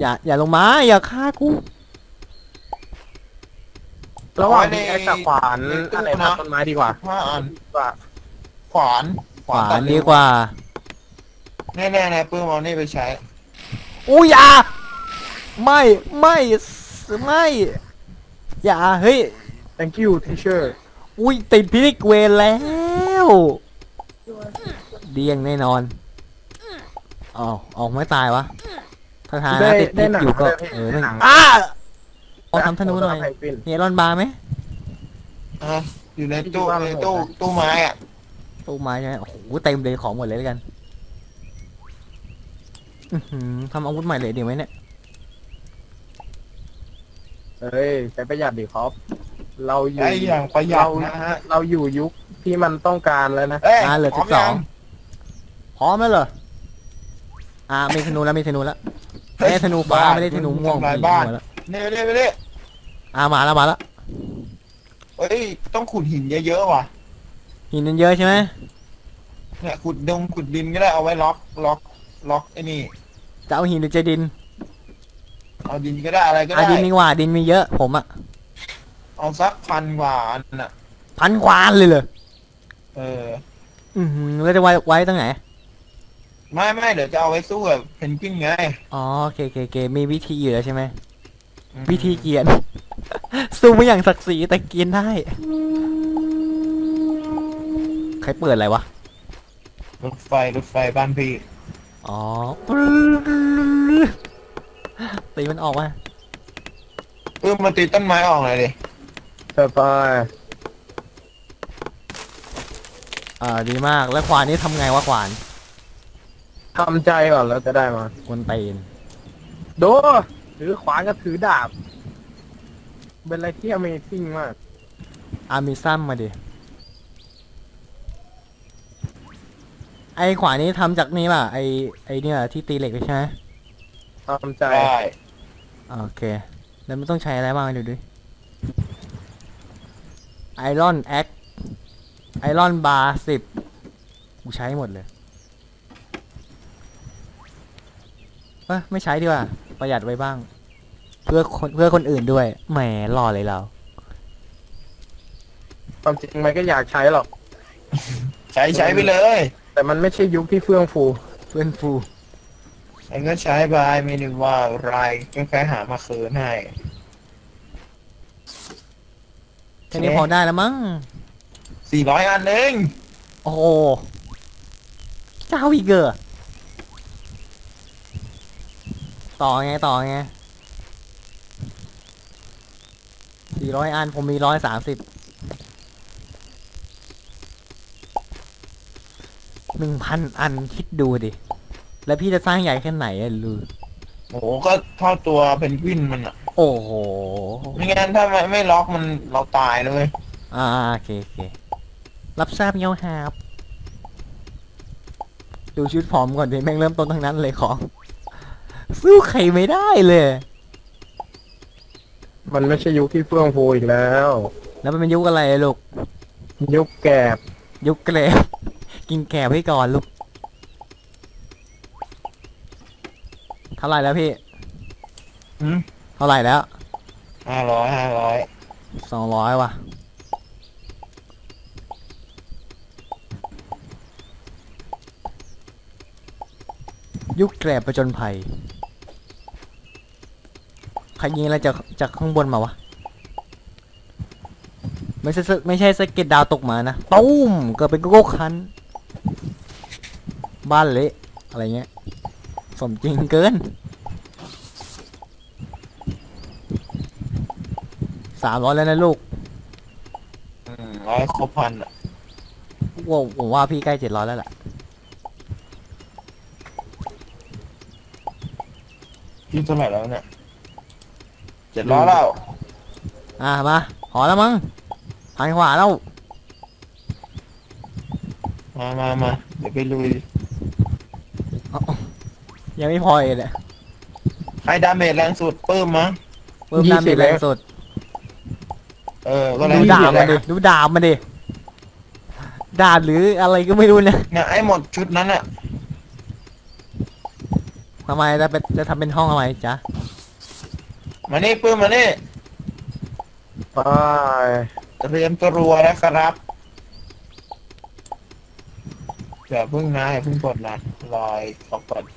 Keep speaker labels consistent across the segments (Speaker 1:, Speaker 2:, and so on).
Speaker 1: อย่าลงมาอย่าฆ่ากู
Speaker 2: ระหว่างนี้กับขวานอะไรพักต้นไม้ดีกว่า
Speaker 3: 5 อัน
Speaker 2: ว่า
Speaker 3: ขวาน
Speaker 1: ขวานดีกว่า
Speaker 3: แน่ๆนะปื้มเอานี่ไปใช้
Speaker 1: อู้อย่าไม่อย่าเฮ้ย
Speaker 2: thank you teacher
Speaker 1: อุ้ยติดพิษเวรแล้วเดียงแน่นอนเอาไม่ตายวะถ้าทานนะติดพิษอยู่ก็หนังเอาทำธนูหน่อยเฮรอนบาร์ไหม
Speaker 3: อยู่ในตู้ไม้อะ
Speaker 1: ตู้ไม้ใช่ไหมโอ้โหเต็มเลยของหมดเลยแล้วกันทำอาวุธใหม่เลยดีไหมเนี่ย
Speaker 2: เฮ้ยใช้ประหยัดดิครับเราอยู่
Speaker 3: ไอ้อย่างประหยัดนะฮะ
Speaker 2: เราอยู่ยุคที่มันต้องการแล้วนะ
Speaker 1: เหลือ12พร้อมแล้วเหรอมีธนูแล้วมีธนูแล้วไม่ธนูฟ้าไม่ได้ธนูม่วง
Speaker 3: บ้านเนี่ยไปเลย
Speaker 1: มาแล้ว
Speaker 3: เฮ้ยต้องขุดหินเยอะๆว่ะ
Speaker 1: หินเยอะใช่ไหม
Speaker 3: เนี่ยขุดดินก็ได้เอาไว้ล็อกไอ้นี่
Speaker 1: จะเอาหินหรือจะดิน
Speaker 3: เอาดินก็ได้อะไรก็ได้
Speaker 1: ดินมีกว่าดินมีเยอะผม
Speaker 3: เอาสัก1,000 กว่าอันน่ะ
Speaker 1: 1,000 กว่าเลยเหรอแล้วจะไว้ตรงไหน
Speaker 3: ไม่เดี๋ยวจะเอาไว้สู้กับเพนกวินไง
Speaker 1: โอเคมีวิธีอยู่แล้วใช่ไหมวิธีเกียนสู้ไม่อย่างศักดิ์ศรีแต่เกียนได้ใครเปิดอะไรวะ
Speaker 3: รถไฟบ้านพี่
Speaker 1: ตีมันออกมา
Speaker 3: มาตีต้นไม้ออกเลยดิ
Speaker 2: ไป
Speaker 1: ดีมากแล้วขวานนี้ทำไงวะขวาน
Speaker 2: ทำใจก่อนแล้วจะได้มา
Speaker 1: คนตีน
Speaker 2: โดถือขวานก็ถือดาบเป็นอะไรที่ Amazing มาก
Speaker 1: มีซ้ำมาดิไอขวานนี้ทำจากนี่ป่ะไอเนี่ยที่ตีเหล็กใช่ไหม
Speaker 2: ทำใจ
Speaker 1: โอเคแล้วมันต้องใช้อะไรบ้างดูดิไอรอนแอคไอรอนบาร์10กูใช้หมดเลยไม่ใช้ดีกว่าประหยัดไว้บ้างเพื่อคนอื่นด้วยแหมหล่อเลยเรา
Speaker 2: ความจริงมันก็อยากใช้หรอก
Speaker 3: ใช้ไปเลย
Speaker 2: แต่มันไม่ใช่ยุคที่เฟื่องฟู
Speaker 3: ไอ้ก็ใช้ไปไม่นึกว่าไรก็แค่หามาคืนให้
Speaker 1: แค่นี้พอได้แล้วมั้ง
Speaker 3: 400 อันเอง
Speaker 1: โอ้เจ้าอีกเกอต่อไง400 อันผมมี130 1,000 อันคิดดูดิแล้วพี่จะสร้างใหญ่แค่ไหนลือ
Speaker 3: โอ้ก็เท่าตัวเพนกวินมัน
Speaker 1: โอ้โห
Speaker 3: ไม่งั้นถ้าไม่ล็อกมันเราตายเลย
Speaker 1: โอเครับทราบเงาหาบดูชุดพร้อมก่อนดิแม่งเริ่มต้นทั้งนั้นเลยของสู้ใครไม่ได้เลย
Speaker 2: มันไม่ใช่ยุคที่เฟื่องฟูอีกแล้ว
Speaker 1: มันเป็นยุคอะไรลูก
Speaker 2: ยุคแกบ
Speaker 1: กินแกบให้ก่อนลูกเท่าไหร่แล้วพี่เท่าไหร่แล้ว
Speaker 3: 500
Speaker 1: 200ว่ะยุคแกบประจนภัยใครยิงอะไรจากข้างบนมาวะไม่ใช่สเก็ตดาวตกมานะตุ้มเกิดเป็นโก้คันบ้านเละอะไรเงี้ยสมจริงเกิน300แล้วนะลูก
Speaker 3: 100 ครบ 1,000อ่ะ
Speaker 1: ผมว่าพี่ใกล้700แล้วแหละ
Speaker 3: พี่เท่าไหร่แล้วเนี่ย700แล้ว
Speaker 1: มาพอแล้วมั้งหันขวาแล้ว
Speaker 3: มาเดี๋ยวไปลุย
Speaker 1: ยังไม่พอเลย
Speaker 3: ใครดาเมจแรงสุดปื้มมั้ง
Speaker 1: ดาเมจแรงสุด
Speaker 3: ก็แรง
Speaker 1: ดูดาบมาดิดาบหรืออะไรก็ไม่รู้เนี่ย
Speaker 3: ไอ้หมดชุดนั้นอ่ะ
Speaker 1: ฮทำไมจะทำเป็นห้องทำไมจ๊ะ
Speaker 3: มานี่ปื้มมานี่
Speaker 2: ไป
Speaker 3: เตรียมตัวนะครับอย่าเพิ่งนะอย่าเพิ่งกดนะรอยขอกด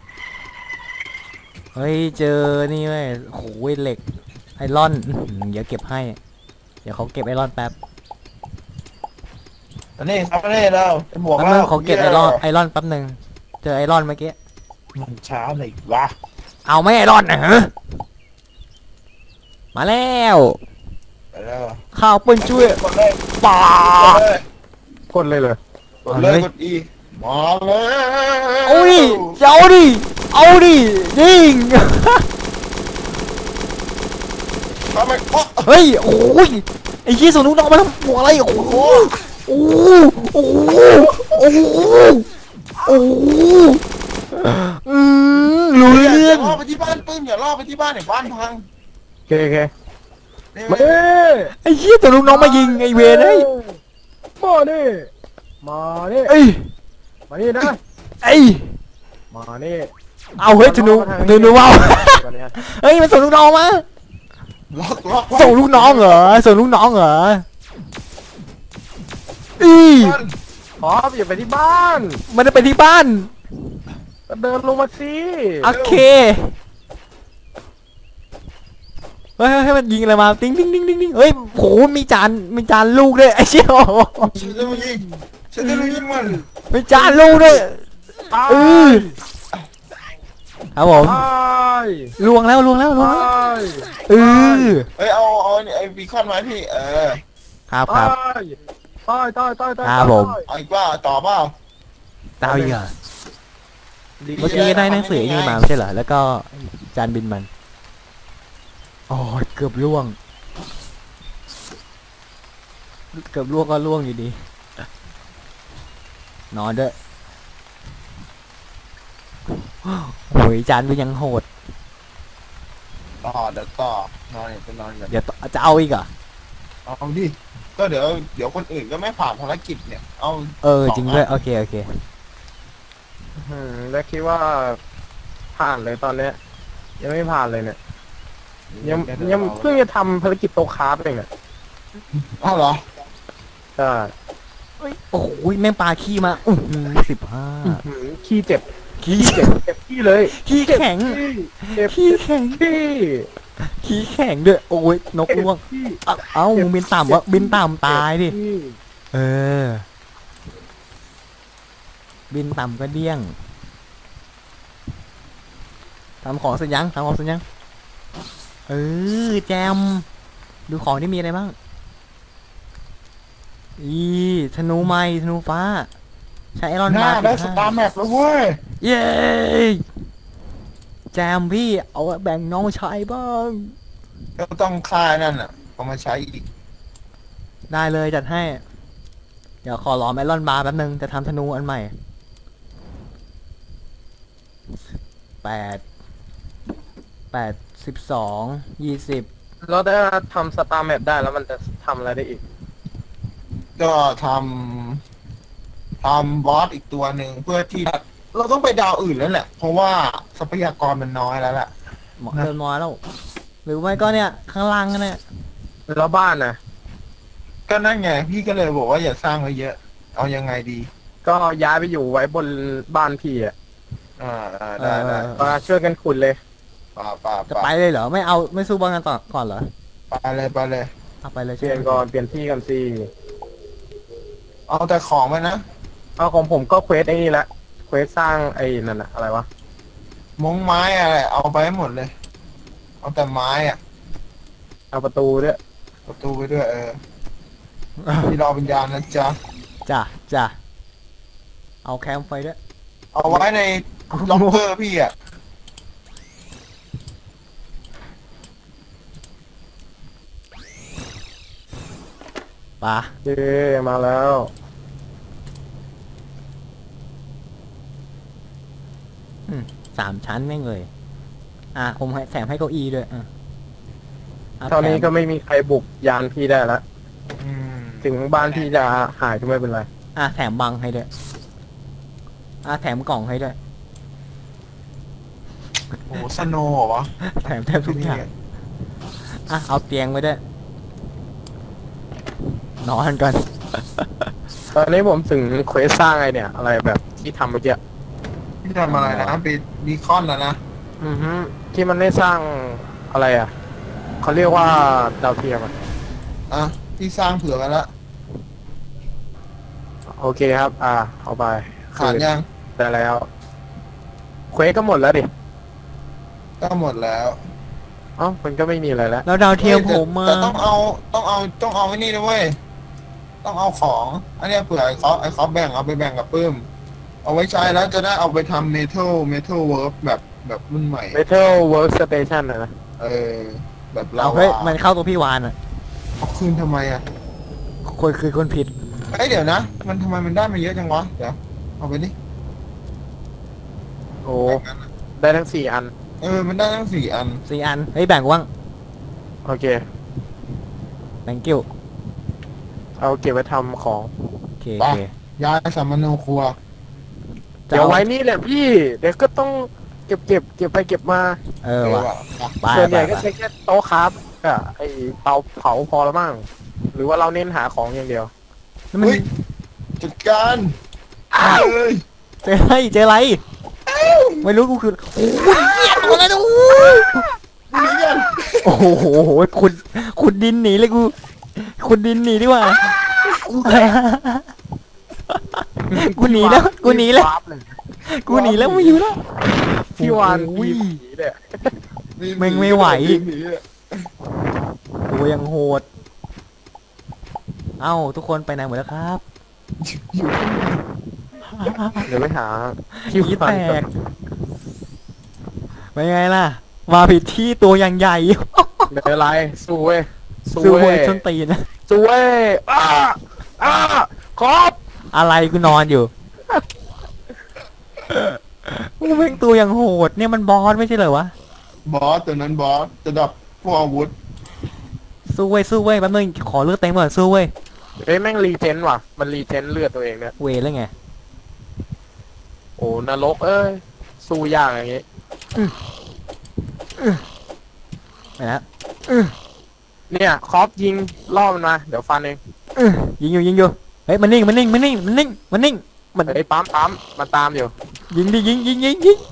Speaker 1: เฮ้ยเจอนี่เว้ยโอ้โหเหล็กไอรอนเดี๋ยวเก็บให้ เดี๋ยวเขาเก็บไอรอนแป๊บ
Speaker 3: มานี่ครับมานี่เราจะบวก
Speaker 1: แป๊บ
Speaker 3: แล้
Speaker 1: นึ
Speaker 3: ว
Speaker 1: งเขาเก็บไอรอนแป๊บนึงเจอไอรอนเมื่อกี้
Speaker 3: มันช้าเลยวะ
Speaker 1: เอาไม่ไอรอนนะฮะมาแล้ว
Speaker 3: ไปแล้ว
Speaker 1: ข้าวปืนช่วย
Speaker 3: กดเลย
Speaker 1: ป่าก
Speaker 2: ดเลยเลย
Speaker 3: กดเลยกดอีมาเลย
Speaker 1: เอาดิเอาดิยิง
Speaker 3: ทำไมโอ้
Speaker 1: เฮ้ยโอ้ยไอ้ยี่ส่วนลูกน้องมาทำหัวอะไรโอ้โหโอ้โหโอ้โหโอ้โหโอ้โหรู้เรื่อง
Speaker 3: ย่าล่อไปที่บ้านปื้มอย่าล่อไปที่บ้านเดี๋ยวบ้านพัง
Speaker 2: โอเคโอเค
Speaker 3: นี่
Speaker 2: มา
Speaker 3: ไหม
Speaker 2: ดิ
Speaker 1: ไอ้ยี่ส่วนลูกน้องมายิงไอ้เวรเฮ้ย
Speaker 2: มาดิมาดิ
Speaker 1: เอ้ย
Speaker 2: มาดินะ
Speaker 1: ไอ้ย
Speaker 2: มาดิ
Speaker 1: เอาเฮ้ยธนูว่าวเฮ้ยมันส่งลูกน้องมา
Speaker 3: ล็อก
Speaker 1: ส่งลูกน้องเหรอส่งลูกน้องเหรออี
Speaker 2: ขออย่าไปที่บ้าน
Speaker 1: มันจะไปที่บ้าน
Speaker 2: ก็เดินลงมาสิ
Speaker 1: โอเคเฮ้ยมันยิงอะไรมาติ๊งเฮ้ยโหมีจานลูกด้วยไอ้เชี่ย
Speaker 3: ฉันจะมายิงฉันจะมายิงมัน
Speaker 1: มีจานลูกด้วย
Speaker 2: ตาย
Speaker 1: ครับผม
Speaker 2: ตาย
Speaker 1: ลวงแล้ว
Speaker 2: ตาย
Speaker 1: เออ
Speaker 3: เฮ้ยเอาไอ้บีคอนมาพี่
Speaker 1: ครับ
Speaker 2: ตายตาย
Speaker 1: ครับผม
Speaker 3: เอาอีกว่าต่อเปล่า
Speaker 1: ดาวอีกเหรอเมื่อกี้ได้หนังสือนี่มาไม่ใช่เหรอแล้วก็จานบินมันโอ้ยเกือบล่วงก็ล่วงอยู่ดีนอนด้วยโอ้ยจานมันยังโหด
Speaker 3: ต่อเดี๋ยวต่อนอนเนี่ยไปนอนกัน
Speaker 1: เดี๋ยวจะเอาอีกเหรอ
Speaker 3: เอาดิก็เดี๋ยวคนอื่นก็ไม่ผ่านภารกิจเนี่ยเอา
Speaker 1: จริงด้วยโอเค
Speaker 2: แล้วคิดว่าผ่านเลยตอนเนี้ยยังไม่ผ่านเลยเนี่ยยังเพิ่งจะทำภารกิจโตคราฟเองเนี่ย
Speaker 3: เอาเหรอ
Speaker 2: ใช่
Speaker 1: โอ้โหแม่งปลาขี้มา15
Speaker 2: ขี้เจ็บ
Speaker 1: ขี้
Speaker 2: เจ็บขี้เลย
Speaker 1: ขี้แข็ง
Speaker 2: เจ็บ
Speaker 1: ขี้แข็ง
Speaker 2: ขี้
Speaker 1: ขี้แข็งด้วยโอ้ยนกล่วง
Speaker 2: ขี้
Speaker 1: เอ้ามึงบินต่ำวะบินต่ำตายดิ
Speaker 2: ขี้
Speaker 1: เออ บินต่ำก็เดี้ยงทำของเสร็จยังเออแจมดูของที่มีอะไรบ้างธนูไม้ธนูฟ้าใช้ไอรอน
Speaker 3: ห
Speaker 1: มา
Speaker 3: น้าได้สตาร์แมปแล้วเว้ย
Speaker 1: เย้แจมพี่เอาแบ่งน้องชายบ้าง
Speaker 3: ก็ต้องค่ายนั่นอ่ะเอามาใช้อีก
Speaker 1: ได้เลยจัดให้ เดี๋ยวขอรอไอรอนบาร์แป๊บนึงจะทำธนูอันใหม่12
Speaker 2: เราได้ทำสตาร์แมปได้แล้วมันจะทำอะไรได้อีก
Speaker 3: ก็ทำบอสอีกตัวหนึ่งเพื่อที่เราต้องไปดาวอื่นแล้วแหละ เพราะว่าทรัพยากรมันน้อยแล้วแหละ
Speaker 1: เหมาะเดินน้อยแล้ว หรือไม่ก็เนี่ยข้างล่างกันเนี่ย
Speaker 2: แล้วบ้านนะ
Speaker 3: ก็นั่นไงพี่ก็เลยบอกว่าอย่าสร้างไว้เยอะ เอายังไงดี
Speaker 2: ก็ย้ายไปอยู่ไว้บนบ้านพี่อ่ะ
Speaker 3: ได้
Speaker 2: มาช่วยกันขุดเลย
Speaker 3: ป่า
Speaker 1: จะไปเลยเหรอไม่สู้บ้างกันต่อก่อนเหรอ
Speaker 3: ไปเลย
Speaker 1: เอาไปเลย
Speaker 2: เปลี่ยนก่อนเปลี่ยนที่กันสิ
Speaker 3: เอาแต่ของไปนะ
Speaker 2: เอาของผมก็เควสไอ้นี่แหละเควสสร้างไอ้นั่นอะอะไรวะ
Speaker 3: มงไม้อะไรเอาไปให้หมดเลย เอาแต่ไม้อ่ะ
Speaker 2: เอาประตูด้วย
Speaker 3: ประตูไปด้วยที่รอวิญญาณนะจ๊ะ
Speaker 1: จ้ะเอาแคมไฟด้วย
Speaker 3: เอาไว้ในล็อกเกอร์พี่อ่ะ
Speaker 1: ปะ
Speaker 2: เย้มาแล้ว
Speaker 1: 3 ชั้นแม่งเลยผมให้แถมให้เก้าอี้ด้วย
Speaker 2: เท่านี้ก็ไม่มีใครบุกยานพี่ได้ละ
Speaker 3: อืม
Speaker 2: ถึงบ้านพี่จะหายก็ไม่เป็นไร
Speaker 1: แถมบังให้ด้วยแถมกล่องให้ด้วย
Speaker 3: โอ้โหสโนว์เหรอวะ
Speaker 1: แถมแทบทุกอย่างอ่ะเอาเตียงไว้ด้วยนอนก่อน
Speaker 2: ตอนนี้ผมถึงเควสสร้างไอเนี่ย อะไรแบบที่ทำเมื่อกี้
Speaker 3: พี่ทำอะไรนะไปบีคอนแล้วนะ
Speaker 2: อือฮึที่มันได้สร้างอะไรอ่ะเขาเรียกว่าดาวเทียมอะ
Speaker 3: อ่ะพี่สร้างเผื่อไว้ละ
Speaker 2: โอเคครับ เอาไป
Speaker 3: ขาดยัง
Speaker 2: ได้แล้วเควสก็หมดแล้วดิ
Speaker 3: ก็หมดแล้ว
Speaker 2: เอ้ามันก็ไม่มีอะไรแล้ว
Speaker 1: แล้วดาวเทียมผมมา
Speaker 3: แต่ต้องเอาไอ้นี่นะเว้ยต้องเอาของอันเนี้ยเผื่อไอ้เขาแบ่งเอาไปแบ่งกับปื้มเอาไว้ใช้แล้วจะได้เอาไปทำเมทัลเวิร์กแบบรุ่นใหม่
Speaker 2: Metal Workstation นะ
Speaker 3: เออแบบเรา
Speaker 1: เอาเฮ้ยมันเข้าตัวพี่วานอ่ะ
Speaker 3: เอาคืนทำไมอ่ะ
Speaker 1: คนคือคนผิด
Speaker 3: เอ้ยเดี๋ยวนะมันทำไมมันได้มาเยอะจังวะเดี๋ยวเอาไปดิ
Speaker 2: โอ้ได้ทั้ง4 อัน
Speaker 3: เออมันได้ทั้ง4 อัน
Speaker 1: 4 อันเฮ้ยแบ่งกูบ้าง
Speaker 2: โอเค
Speaker 1: thank you
Speaker 2: เอาเก็บไว้ทำของ
Speaker 1: โอเคโอเค
Speaker 3: ย้ายสัมมโนครัว
Speaker 1: จะ
Speaker 2: เดี๋ยว
Speaker 1: อา
Speaker 2: ไว้นี่แหละพี่ เดี๋ยวก็ต้องเก็บไปเก็บมา
Speaker 1: เออว่ะ
Speaker 3: อ่ะ
Speaker 1: ไป
Speaker 2: ส่วน
Speaker 1: ไป
Speaker 2: ใหญ่ก็
Speaker 1: ไป
Speaker 2: ใช้แค่โต๊ะครับกับไอเตาเผาพอแล้วมั้งหรือว่าเราเน้นหาของอย่างเดียว
Speaker 1: แล้วมัน
Speaker 3: เฮ้ยจัดการ
Speaker 2: อ้าว
Speaker 3: เอ้ย
Speaker 1: เจออะไรเจออะไรไม่รู้กูคือโอ้ยเหี้ยตัวอะไรนะ
Speaker 3: หนีกัน
Speaker 1: โอ้โหขุดดินหนีเลยกูขุดดินหนีดีกว่ากูหนีแล้วกูหนีแล้ว
Speaker 2: วาร์ปเลย
Speaker 1: กูหนีแล้วไม่อยู่แล้ว
Speaker 2: พี่วาน
Speaker 1: โอ้
Speaker 2: มี
Speaker 1: ย
Speaker 2: ผีเลย
Speaker 1: แม่งไม่ไหว
Speaker 3: หนีอะ
Speaker 1: ตัวยังโหดเอ้าทุกคนไปไหนหมดแล้วครับ
Speaker 3: อยู่
Speaker 2: เดี๋ยวไปหา
Speaker 1: ผี
Speaker 2: พี่
Speaker 1: แต
Speaker 2: วานก่อน
Speaker 1: กเป็นไงล่ะมาผิดที่ตัวอย่างใหญ่
Speaker 2: ไม่เป็นไรสู้เว้ย
Speaker 1: สู้
Speaker 2: เว้
Speaker 1: เว้ย
Speaker 2: ย
Speaker 1: ชนตีนนะ
Speaker 2: สู้เว้ยอ้าครบ
Speaker 1: อะไรกูนอนอยู่กูแม่งตัวอย่างโหดเนี่ยมันบอสไม่ใช่เหรอวะ
Speaker 3: บอสตัวนั้นบอสจะดับพวกอาวุธ
Speaker 1: สู้เว้ยสู้เว้ยแป๊บนึงขอเลือดเต็มก่อนสู้เว้ย
Speaker 2: เอ้ยแม่งรีเจนว่ะ มันรีเจนเลือดตัวเองเนี่ย
Speaker 1: เวแล้วไง
Speaker 2: โอ้นรกเอ้ย สู้ยากอย่างงี้
Speaker 1: ไปนะ
Speaker 2: เนี่ยคอปยิงล่อมันมา เดี๋ยวฟันเอง
Speaker 1: ยิงอยู่เฮ้ยมันนิ่งมันนิ่งมัน
Speaker 2: เฮ้ยปั๊มมันตามอยู่
Speaker 1: ยิงดิยิง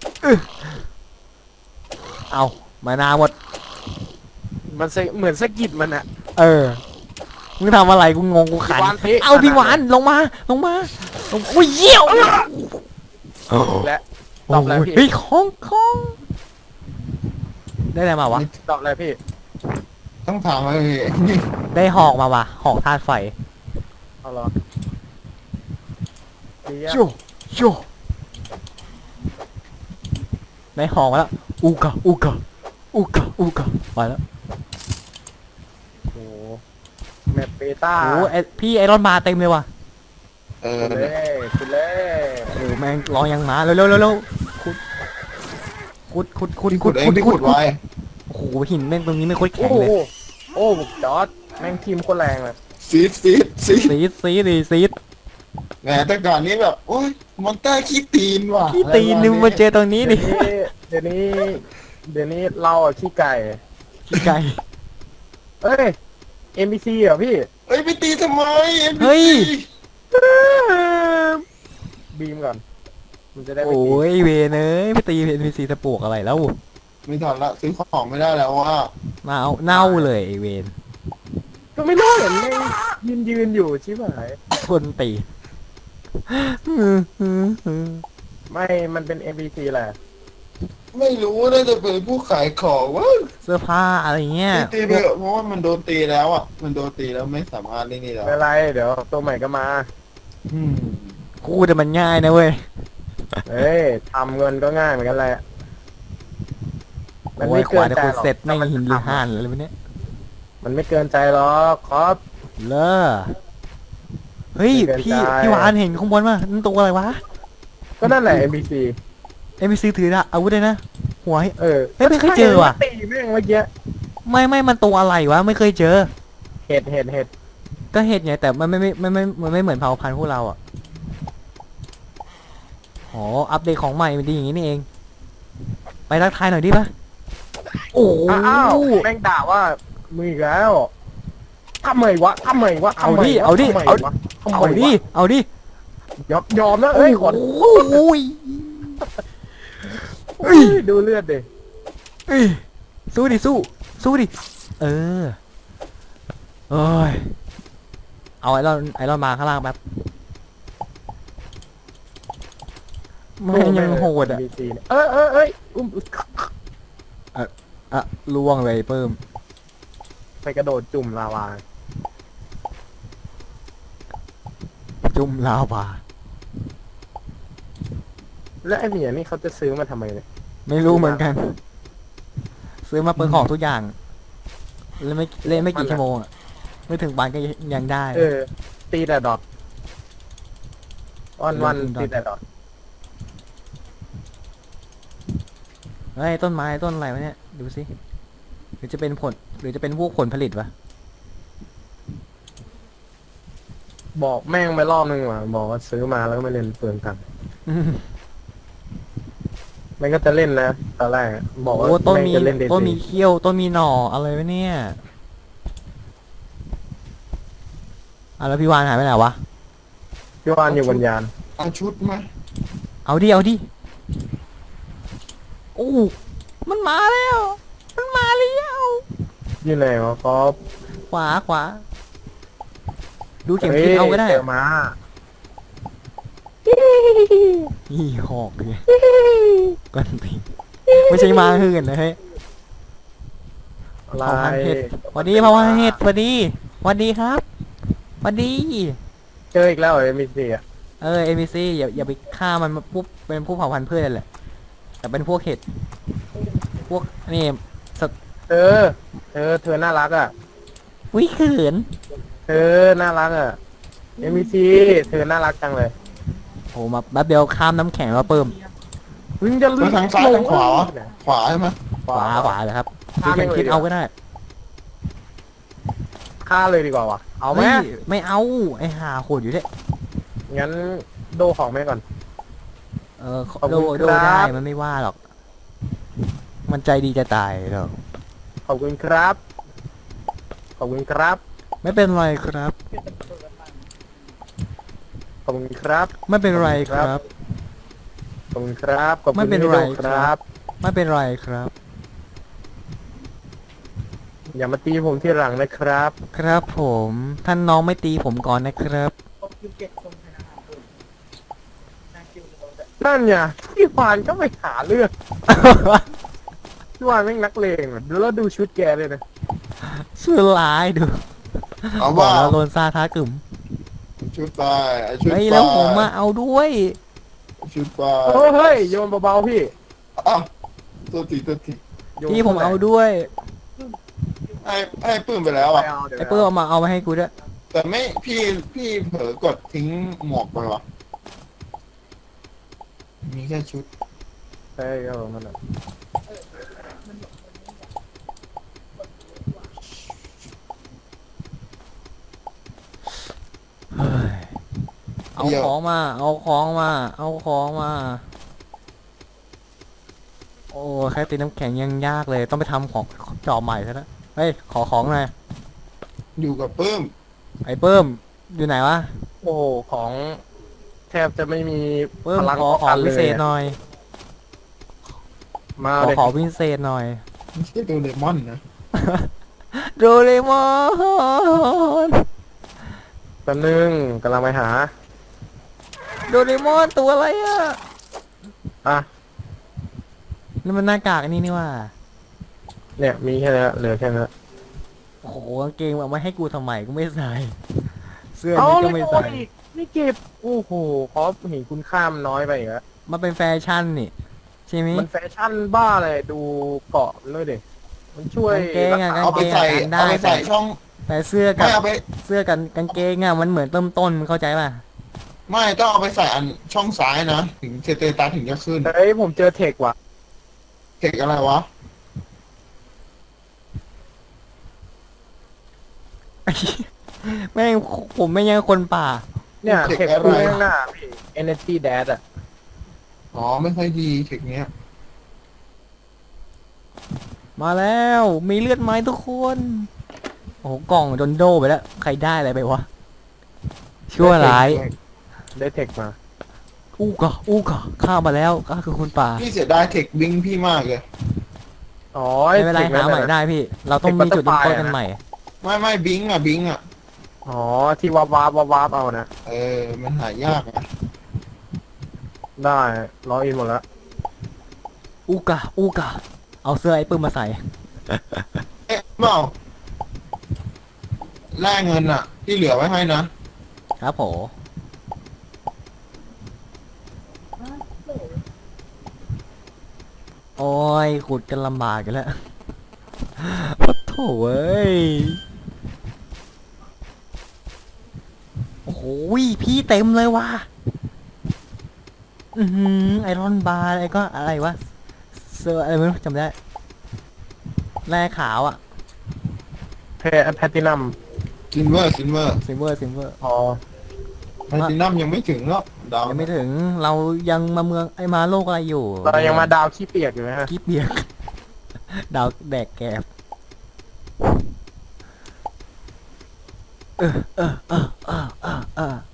Speaker 1: เอามานาหมด
Speaker 2: มันเหมือนสะกิดมันอะ
Speaker 1: เออมึงทำอะไรกูงงกูขัน
Speaker 2: พี่วานเทะ
Speaker 1: เอาพี่หวานลงมาอุ้ยเยี่ยว
Speaker 2: และตอบอะไรพี่
Speaker 1: เฮ้ยของได้อะไรมาวะ
Speaker 2: ตอบอะไรพี่
Speaker 3: ต้องถามอะไรนี่
Speaker 1: ได้หอกมาวะหอกธาตุไฟ
Speaker 2: เอาเหรอเดี๋ยว
Speaker 1: โชได้หอกมาแล้วอูกะไปแล้ว
Speaker 2: โอ้โหแมปเบต้า
Speaker 1: โอ้พี่ไอรอนมาเต็มเลยว่ะ
Speaker 3: เออ
Speaker 2: คุณเล่
Speaker 1: โอ้แม่งรอยังมาเร็วขุด
Speaker 3: พี่ขุดเองพี่ขุดไว้
Speaker 1: โอ้โหหินแม่งตรงนี้ไม่ค่อย
Speaker 2: โอ้
Speaker 1: แข็ง
Speaker 2: โห
Speaker 1: เลย
Speaker 2: โอ้จอร์ดแม่งทีมโคนแรงเลย
Speaker 3: ซีด
Speaker 1: ซีด
Speaker 3: แหมแต่ก่อนนี้แบบโอ้ยมอนเตอร์ขี้ตีนว่ะ
Speaker 1: พี่ตีนนึงมาเจอตรงนี้ดิ
Speaker 2: เดี๋ยวนี้เราอะขี้ไก่
Speaker 1: ขี้ไก่
Speaker 2: เอ้ย NPC เหรอพี่
Speaker 3: เฮ้ยไปตีทำไม
Speaker 1: เฮ้ย
Speaker 2: บีมก่อน มันจะได้ไม่
Speaker 1: โอ้
Speaker 2: ตี
Speaker 1: ยเวนเอ้ยไปตีเป็นพีซีตะปวกอะไรแล้ว
Speaker 3: ไม่ถอนละซื้อของไม่ได้แล้วว่า
Speaker 1: มาเอาเน่าเลยไอเวน
Speaker 2: ก็ไม่รู้เห็นแม่งยืนอยู่ชิบหาย
Speaker 1: คนตี
Speaker 2: ไม่ มันเป็น NPC แหละ
Speaker 3: ไม่รู้น่าจะเป็นผู้ขายของวะ
Speaker 1: เสื้อผ้าอะไรเงี้ย
Speaker 3: ตีไปเถอะเพราะว่ามันโดนตีแล้วอ่ะมันโดนตีแล้วไม่สามารถเล่นนี่แล้ว
Speaker 2: ไม่เป็นไร เดี๋ยวตัวใหม่ก็มา
Speaker 3: อืม
Speaker 1: กูแต่มันง่ายนะเว้ย
Speaker 2: เฮ้ยทำเงินก็ง่ายเหมือนกันแหละ มัน
Speaker 1: โอ้
Speaker 2: ไม่
Speaker 1: ยก
Speaker 2: เกิ
Speaker 1: ว่าน จะ
Speaker 2: ใจ
Speaker 1: กู
Speaker 2: หรอก
Speaker 1: เสร็จแม่ง
Speaker 2: ถ้า
Speaker 1: หินหรือห่านอะไรวะเนี่ย
Speaker 2: มันไม่เกินใจหรอกครับ
Speaker 1: เลอเฮ้ย
Speaker 2: ไม่เกิน
Speaker 1: พี่
Speaker 2: ใจ
Speaker 1: พี่หวานเห็นข้างบนป่ะนั่นตัวอะไรวะ
Speaker 2: ก็นั่นแหละ NPC
Speaker 1: เอ็มบีซีถืออาวุธเลยนะหัว
Speaker 2: เออ
Speaker 1: เฮ้ยไม่เคยเจอว่ะ
Speaker 2: ตีแม่งเมื่อกี้
Speaker 1: ไม่มันตัวอะไรวะไม่เคยเจอ
Speaker 2: เห็ด
Speaker 1: ก็เห็ดไงแต่มันไม่เหมือนเผ่าพันธุ์พวกเราอ่ะอ๋ออัปเดตของใหม่มันดีอย่างนี้นี่เอง ไปทักทายหน่อยดิปะโอ้
Speaker 2: อ้าวแม่งด่าว่ามึงอีกแล้วทำไมวะทำไมวะ
Speaker 1: เอาดิเอาดิ
Speaker 2: ทำไม
Speaker 1: เอา
Speaker 2: วะทำ
Speaker 1: เอา
Speaker 2: ไม
Speaker 1: ดิ
Speaker 2: วะ
Speaker 1: เอาดิ
Speaker 2: ยอมนะเอ้ยขอ
Speaker 1: โอ้ย
Speaker 2: อุ้ยดูเลือดดิ
Speaker 1: เอ้ยสู้ดิสู้ดิเออเอ้ยเอาไอรอนมาข้างล่างแป๊บมันยังโหดอ่ะ
Speaker 2: NPC เนี่ยเอ้ยอุ้ม
Speaker 1: อ่ะล่วงเลยเพิ่ม
Speaker 2: ไปกระโดดจุ่มลาวา
Speaker 1: จุ่มลาวา
Speaker 2: แล้วไอ้เหมียนี่เขาจะซื้อมาทำไมเนี่ย
Speaker 1: ไม่รู้เหมือนกัน ซื้อมาเปิดของทุกอย่างเล่นไม่กี่ชั่วโมงอ่ะไม่ถึงวันก็ยังได้
Speaker 2: ตีแต่ดอทวันตีแต่ดอท
Speaker 1: เฮ้ยต้นไม้ต้นอะไรวะเนี่ยดูสิหรือจะเป็นผลหรือจะเป็นพวกผลผลิตวะ
Speaker 2: บอกแม่งไปรอบนึงว่ะบอกว่าซื้อมาแล้วก็ไม่เล่นเปลืองตังค์มันก็จะเล่นนะตอนแรกบอกว่า
Speaker 1: โอ้ต้น
Speaker 2: แม่ง
Speaker 1: มี
Speaker 2: จะเล่นเด
Speaker 1: ต้นมีเขี้ยวต้นมีหน่ออะไรวะเนี่ยแล้วพี่วานหายไปไหนวะ
Speaker 2: พี่วานอยู่บนยาน
Speaker 3: เอาชุดไหม
Speaker 1: เอาดิโอ้มันมาแล้ว
Speaker 2: อยู่ไหนวะก๊อฟ
Speaker 1: ขวาดูเข็มทิศเอาก็ได้
Speaker 2: เจอมา
Speaker 1: อีหอกเลยกันทีไม่ใช่มาหื่นนะเฮ้ย
Speaker 2: อะไร
Speaker 1: เผาพันธุ์เห็ดสวัสดีเผาพันธุ์เห็ดสวัสดีครับสวัสดี
Speaker 2: เจออีกแล้วเหรอมีสี่อ่ะ
Speaker 1: NPC อย่าไปฆ่ามันมาปุ๊บเป็นผู้เผ่าพันธุ์พืชนั่นแหละแต่เป็นพวกเห็ดพวกนี่
Speaker 2: เธอน่ารักอ่ะ
Speaker 1: วิเขิน
Speaker 2: เธอน่ารักอ่ะมีซีเธอน่ารักจังเลย
Speaker 1: โหมาแป๊บเดียวข้ามน้ำแข็งแล้วเปิ่ม
Speaker 2: มึงจะ
Speaker 3: แล้วทางซ้ายทางขวาวะขวาใช่ไหม
Speaker 1: ขวาเลยครับดูเข็มทิศเอาก็ได้
Speaker 2: ฆ่าเลยดีกว่าวะเอาไหม
Speaker 1: ไม่เอาไอ้ห่าโหดอยู่เด้
Speaker 2: งั้นโดของแม่ก่อน ขอบ
Speaker 1: โด
Speaker 2: คุณ
Speaker 1: โด
Speaker 2: ครับ
Speaker 1: ได้มันไม่ว่าหรอก มันใจดีจะตายหรอก
Speaker 2: ขอบคุณครับ ขอบคุณครับ
Speaker 1: ไม่เป็นไรครับ
Speaker 2: ขอบคุณครับ
Speaker 1: ไม่เป็นไรครับ
Speaker 2: ขอบคุณครับขอบคุณ
Speaker 1: ไม่เป็นไร
Speaker 2: ที่ดูครับ
Speaker 1: ไม่เป็นไรครับ
Speaker 2: อย่ามาตีผมที่หลังนะครับ
Speaker 1: ครับผมท่านน้องไม่ตีผมก่อนนะครับ
Speaker 2: นั่นไงพี่วานก็ไปหาเรื่องพี่วานแม่งนักเลงอ่ะแล้วดูชุดแกเลยนะ
Speaker 1: ชื่อร้ายดู
Speaker 3: เอา
Speaker 1: บอ
Speaker 3: ว่าก
Speaker 1: แล้วโลนซาท้ากึ่ม
Speaker 3: ชุดไปไอ้ชุด
Speaker 1: เฮ้ย
Speaker 3: ไป
Speaker 1: แล้วผมมาเอาด้วย
Speaker 3: ชุดไป
Speaker 2: เฮ้ยโยนเบาๆพี่
Speaker 3: อ้าวตัวที
Speaker 2: โยน
Speaker 1: พี่ผมเอาด้วย
Speaker 3: ให้ปื้มไปแล้ว
Speaker 2: ไป
Speaker 3: อ่ะ
Speaker 2: เอาเดี๋ยว
Speaker 1: ไอ้เปิ้ลเอามาให้กูด้วย
Speaker 3: แต่ไม่พี่เผลอกดทิ้งหมวกไปวะมีแค่ชุด
Speaker 2: เฮ้ยเอามันอ่ะ
Speaker 1: เฮ้ยเอาของมา เอาของมา โอ้แค่ตีน้ำแข็งยังยากเลย ต้องไปทำของจอบใหม่ซะแล้วเฮ้ย ขอของหน่อย
Speaker 3: อยู่กับปื้ม
Speaker 1: ไอ้เปิ้มอยู่ไหนวะ
Speaker 2: โอ้โหของแทบจะไม่มี
Speaker 1: เปิ้ม
Speaker 2: พลัง
Speaker 1: ขอ
Speaker 2: ป้อง
Speaker 1: ขอ
Speaker 2: กัน
Speaker 1: พิ
Speaker 2: เล
Speaker 1: เศ
Speaker 2: ย
Speaker 1: ษหน่อย
Speaker 2: มา
Speaker 1: ขอ
Speaker 2: เลย
Speaker 1: ขอพิเศษหน่อย
Speaker 3: ไม่ใช่โดเรมอนนะ
Speaker 1: โดเรมอน
Speaker 2: แป๊บนึงกำลังไปหา
Speaker 1: โดเรมอนตัวอะไรอ่ะ
Speaker 2: อ่ะ
Speaker 1: นี่มันหน้ากากอันนี้นี่ว่า
Speaker 2: เนี่ยมีแค่นี้เหลือแค่นี้
Speaker 1: โอ้โหกางเกงเอามาให้กูทำไมกูไม่ใส่ เสื้อ
Speaker 2: เอา
Speaker 1: นี้
Speaker 2: เล
Speaker 1: ก็
Speaker 2: ย
Speaker 1: ไม่
Speaker 2: โอ้
Speaker 1: ใส่
Speaker 2: ยไม่เก็บโอ้โหขอเห็นคุณค่ามันน้อยไปอีกแล้ว
Speaker 1: มันเป็นแฟชั่นนี่ใช่ไหม
Speaker 2: มันแฟชั่นบ้าเลยดูเกาะมันด้วยดิมันช่วย
Speaker 1: กางเกงอะ
Speaker 2: รัษ
Speaker 3: เอาไปใส่
Speaker 1: ได้
Speaker 3: เอาไปใส่ช่อง
Speaker 1: แต่เสื้อกั
Speaker 3: ไม่
Speaker 1: บ
Speaker 3: เอาไป
Speaker 1: เสื้อกันกางเกงอะมันเหมือนเริ่มต้นมึงเข้าใจป่ะ
Speaker 3: ไม่ต้องเอาไปใส่อันช่องซ้ายนะถึงสเตตัสถึงจะขึ้น
Speaker 2: เฮ้ยผมเจอเทคว่ะ
Speaker 3: เทคอะไรวะ
Speaker 1: แม่งผมไม่ยังคนป่า
Speaker 2: เนี่ย
Speaker 3: เทค
Speaker 2: เทค
Speaker 3: อะไร
Speaker 2: คู่ข้างหน้าพี่ Energy Dash อ่ะ
Speaker 3: อ๋อไม่ค่อยดีเทคเนี้ย
Speaker 1: มาแล้วมีเลือดไหมทุกคนโอ้โหกล่องจนโดไปแล้วใครได้อะไรไปวะชั่วร้าย
Speaker 2: ได้เทคมา
Speaker 1: อู้กะข้ามาแล้วก็คือคุณป่า
Speaker 3: พี่เสียดายเทคบิงพี่มากเลย
Speaker 2: อ๋อ
Speaker 1: ไม่เป็นไร
Speaker 2: ทค
Speaker 1: หาใหม่ได้พี่ เราต้องมีจุดเริ่มต้นกันใหม่
Speaker 3: ไม่บิงอ่ะบิงอ่ะ
Speaker 2: อ๋อที่วาบเอานะ
Speaker 3: มันหายากอ่ะ
Speaker 2: ได้ล็อกอินหมดแล้ว
Speaker 1: อู้กะเอาเสื้อไอ้ปื้มมาใส่
Speaker 3: เปล่าแลกเงินอ่ะ ที่เหลือไว้ให้นะครับ
Speaker 1: ผมโอ้ยขุดกันลำบากกันแล้วโอ้โถเว้ยโอ้โหพี่เต็มเลยว่ะไอรอนบาร์อะไรก็อะไรวะเสื้ออะไรไม่รู้จำไม่ได้แร่ขาวอ่ะ
Speaker 2: แพตตินัม
Speaker 3: ซิลเวอร์
Speaker 1: ซิลเวอร์
Speaker 2: อ๋อ
Speaker 3: แพลตินัมยังไม่ถึงหรอกดาว
Speaker 1: ยังไม่ถึงเรายังมาเมืองไอมาโลกอะไรอยู่
Speaker 2: เรายังมาดาวขี้เปียกอยู่นะฮะ
Speaker 1: กิ๊บเบียก ดาวแดกแกบเออ